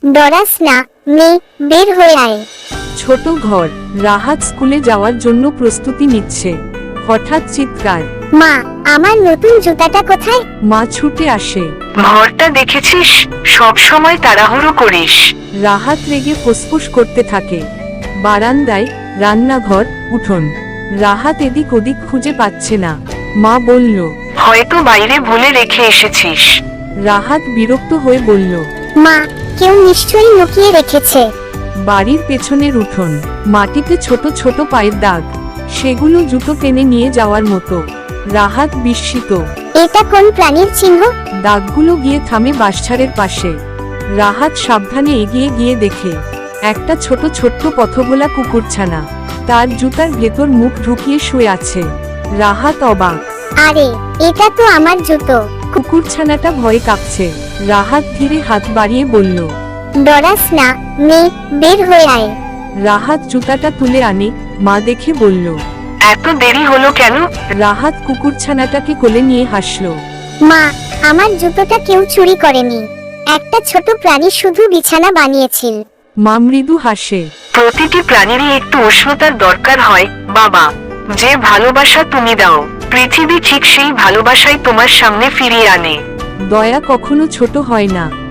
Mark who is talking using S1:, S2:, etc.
S1: ডরাস না মেয়ে, বের হয়ে আয়।
S2: ছোট ঘর। রাহাত স্কুলে যাওয়ার জন্য প্রস্তুতি নিচ্ছে। হঠাৎ চিৎকার।
S1: মা, আমার নতুন জুতাটা কোথায়?
S2: মা ছুটে আসে।
S3: ঘরটা দেখেছিস, সব সময় তাড়াহুড়ো করিস।
S2: রাহাত রেগে ফুসফুস করতে থাকে। বারান্দায়, রান্নাঘর, উঠোন। রাহাত এদিক ওদিক খুঁজে পাচ্ছে না। মা বলল।
S3: হয়তো বাইরে ভুলে রেখে এসেছিস।
S2: রাহাত বিরক্ত হয়ে বলল।
S1: মা, কেউ নিশ্চয়ই লুকিয়ে রেখেছে।
S2: বাড়ির পেছনের উঠোন। মাটিতে ছোট ছোট পায়ের দাগ। সেগুলো জুতো টেনে নিয়ে যাওয়ার মতো। রাহাত বিস্মিত।
S1: এটা কোন প্রাণীর চিহ্ন?
S2: দাগগুলো গিয়ে থামে বাঁশঝাড়ের পাশে। রাহাত সাবধানে এগিয়ে গিয়ে দেখে একটা ছোট ছোট্ট পথভোলা কুকুরছানা। তার জুতার ভেতর মুখ ঢুকিয়ে শুয়ে আছে। রাহাত অবাক।
S1: আরে, এটা তো আমার জুতো।
S2: কুকুরছানাটা ভয়ে কাঁপছে। রাহাত ধীরে হাত বাড়িয়ে বলল।
S1: ডরাস না মেয়ে, বের হয়ে আয়।
S2: রাহাত জুতাটা তুলে আনে। মা দেখে বলল।
S3: এত দেরি হলো কেন?
S2: রাহাত কুকুরছানাটাকে কোলে নিয়ে হাসল।
S1: মা, আমার জুতোটা কেউ চুরি করেনি। একটা ছোট প্রাণী শুধু বিছানা বানিয়েছিল।
S2: মা মৃদু হাসে।
S3: প্রতিটি প্রাণীরই একটু উষ্ণতার দরকার হয় বাবা। যে ভালোবাসা তুমি দাও, পৃথিবী ঠিক সেই ভালোবাসাই তোমার সামনে ফিরিয়ে আনে।
S2: দয়া কখনো ছোট হয় না।